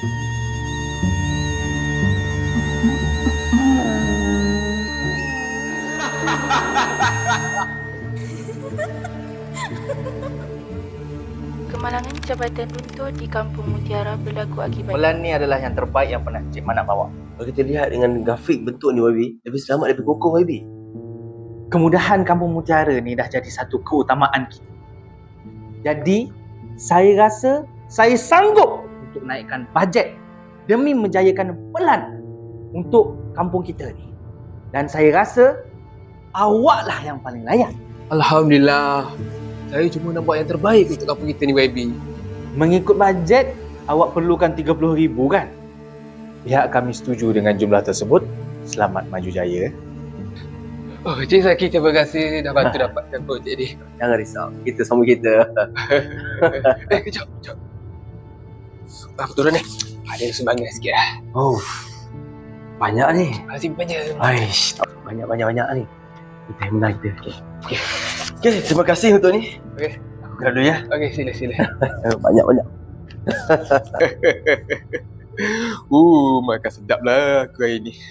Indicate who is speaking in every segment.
Speaker 1: Kemalangan jabatan runtuh di Kampung Mutiara berlaku akibat...
Speaker 2: Bulan ni adalah yang terbaik yang pernah Cik Man nak bawa.
Speaker 3: Kalau kita lihat dengan grafik bentuk ni YB, lebih selamat lebih kokoh YB.
Speaker 2: Kemudahan Kampung Mutiara ni dah jadi satu keutamaan kita. Jadi, saya rasa saya sanggup untuk naikkan bajet demi menjayakan pelan untuk kampung kita ni. Dan saya rasa awaklah yang paling layak.
Speaker 4: Alhamdulillah. Saya cuma nak buat yang terbaik untuk kampung kita ni YB.
Speaker 2: Mengikut bajet, awak perlukan 30,000 kan? Pihak kami setuju dengan jumlah tersebut. Selamat maju jaya.
Speaker 4: Oh, Cik Zaki, terima kasih dah bantu dapatkan projek ni.
Speaker 3: Jangan risau, kita sama kita.
Speaker 4: Kejap. Aku turun ni. Ada sumbangan sikit lah.
Speaker 3: Oh, banyak ni.
Speaker 4: Simpan je.
Speaker 3: Aish, banyak ni. Kita yang menang kita. Okay, terima kasih untuk ni.
Speaker 4: Okey.
Speaker 3: Aku gerak dulu ya.
Speaker 4: Okey, sila.
Speaker 3: Banyak.
Speaker 4: Makan sedap lah aku hari ni.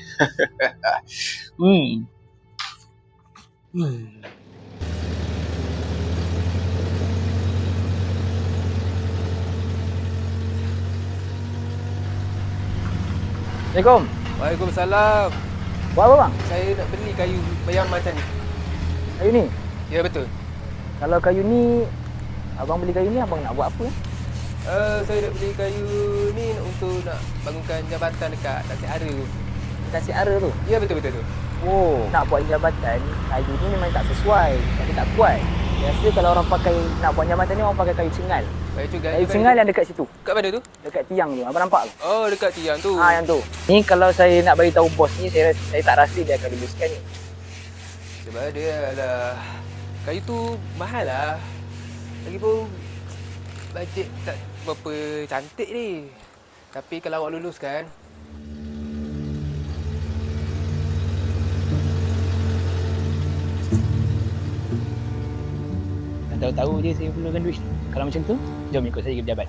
Speaker 2: Assalamualaikum.
Speaker 4: Waalaikumsalam.
Speaker 2: Buat apa bang?
Speaker 4: Saya nak beli kayu bayam macam ni.
Speaker 2: Kayu ni?
Speaker 4: Ya, betul.
Speaker 2: Kalau kayu ni, abang beli kayu ni abang nak buat apa?
Speaker 4: Saya nak beli kayu ni untuk nak bangunkan jabatan dekat Tasik Ara tu.
Speaker 2: Tasik Ara tu?
Speaker 4: Ya, betul tu.
Speaker 2: Oh, nak buat jabatan, kayu ni memang tak sesuai. Tapi tak kuat. Biasa kalau orang pakai, nak buat jabatan ni orang pakai kayu cengal. Kayu cengal yang dekat situ.
Speaker 4: Kat mana tu?
Speaker 2: Dekat tiang tu. Abang nampak ke?
Speaker 4: Oh, dekat tiang tu.
Speaker 2: Yang tu. Ni kalau saya nak bagi tahu bos ni, saya tak rasa dia akan luluskan ni.
Speaker 4: Sebab dia adalah kayu tu mahal lah. Lagipun bajet tak berapa cantik ni. Tapi kalau awak luluskan,
Speaker 5: tahu-tahu je saya perlukan duit. Kalau macam tu, jom ikut saya ke pejabat.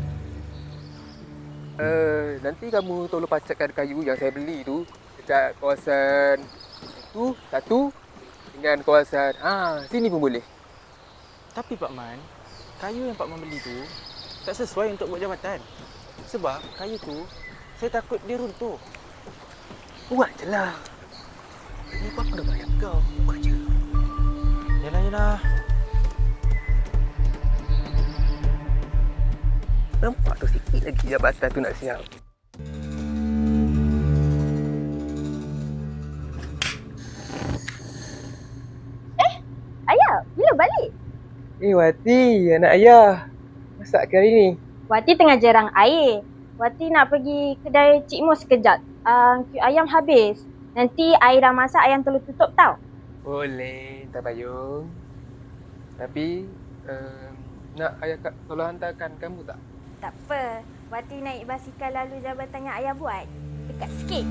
Speaker 4: nanti kamu tolong pacakkan kayu yang saya beli tu dekat kawasan itu satu dengan kawasan sini pun boleh.
Speaker 5: Tapi Pak Man, kayu yang Pak Man beli tu tak sesuai untuk buat jabatan. Sebab kayu tu, saya takut dia runtuh.
Speaker 4: Buat je lah. Ini Papa dah bayar kau. Buat je.
Speaker 5: Yalah.
Speaker 4: Nampak tu sikit lagi jabatan tu nak siap.
Speaker 6: Ayah, bila balik?
Speaker 4: Wati, anak ayah. Masak ke hari ni?
Speaker 6: Wati tengah jerang air. Wati nak pergi kedai Cik Mus sekejap. Ayam habis. Nanti air dah masak, ayam telur tutup tau.
Speaker 4: Boleh, tak payung. Tapi, nak ayah tolong hantarkan kamu tak?
Speaker 6: Tak apa. Wati naik basikal lalu jabatan yang ayah buat. Dekat sikit.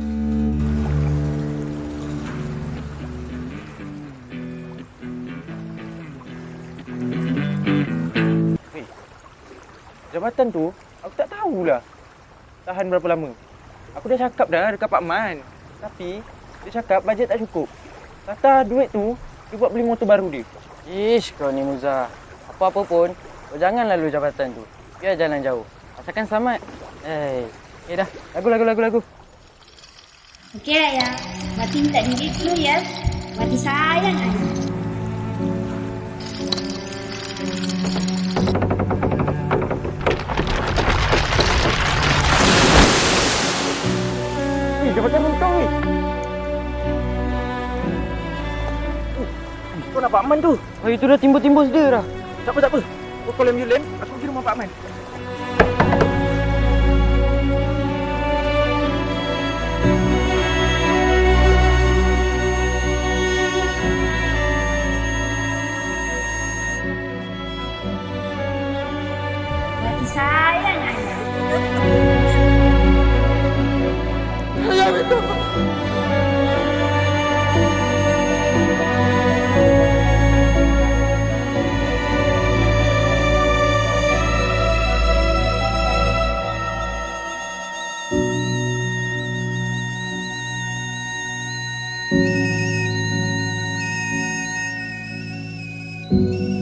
Speaker 5: Jabatan tu, aku tak tahulah tahan berapa lama. Aku dah cakap dah dekat Pak Man. Tapi, dia cakap bajet tak cukup. Kata duit tu, dia buat beli motor baru dia.
Speaker 7: Ish, kau ni Muza. Apa-apa pun, kau jangan lalu jabatan tu. Biar jalan jauh. Asalkan selamat. Dah. Lagu.
Speaker 6: Okey ayah. Wati minta diri dulu ya. Wati sayang ayah.
Speaker 5: Jabatan runtuh ni. Kau nak Pak Man tu?
Speaker 7: Itu dah timbul-timbul dia dah.
Speaker 5: Tak apa. Kau call ambulans, aku pergi rumah Pak Man.
Speaker 6: Wati sayang ayah.
Speaker 4: Ayah minta.
Speaker 6: Bye.